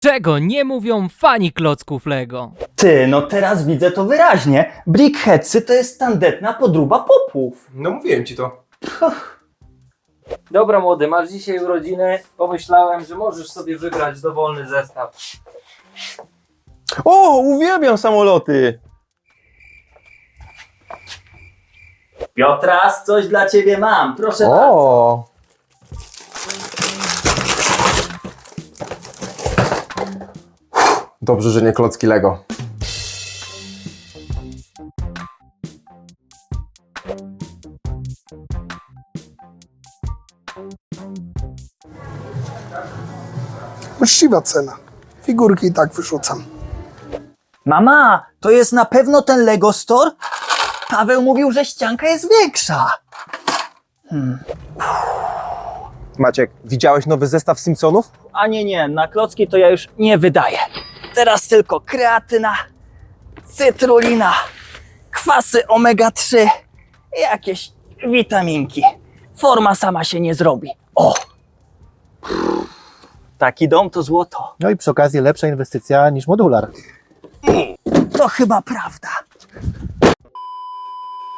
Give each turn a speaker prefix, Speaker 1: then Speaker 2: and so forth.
Speaker 1: Czego nie mówią fani klocków Lego?
Speaker 2: Ty, no teraz widzę to wyraźnie. Brickheadsy to jest tandetna podróba popów.
Speaker 3: No mówiłem ci to.
Speaker 1: Dobra młody, masz dzisiaj urodziny. Pomyślałem, że możesz sobie wybrać dowolny zestaw.
Speaker 4: O, uwielbiam samoloty!
Speaker 2: Piotras, coś dla ciebie mam, proszę bardzo.
Speaker 4: O! Dobrze, że nie klocki Lego.
Speaker 5: Uczciwa cena. Figurki i tak wyrzucam.
Speaker 2: Mama, to jest na pewno ten Lego Store? Paweł mówił, że ścianka jest większa.
Speaker 4: Maciek, widziałeś nowy zestaw Simpsonów?
Speaker 2: A nie, na klocki to ja już nie wydaję. Teraz tylko kreatyna, cytrulina, kwasy omega-3 i jakieś witaminki. Forma sama się nie zrobi. O! Taki dom to złoto.
Speaker 6: No i przy okazji lepsza inwestycja niż modular.
Speaker 2: To chyba prawda.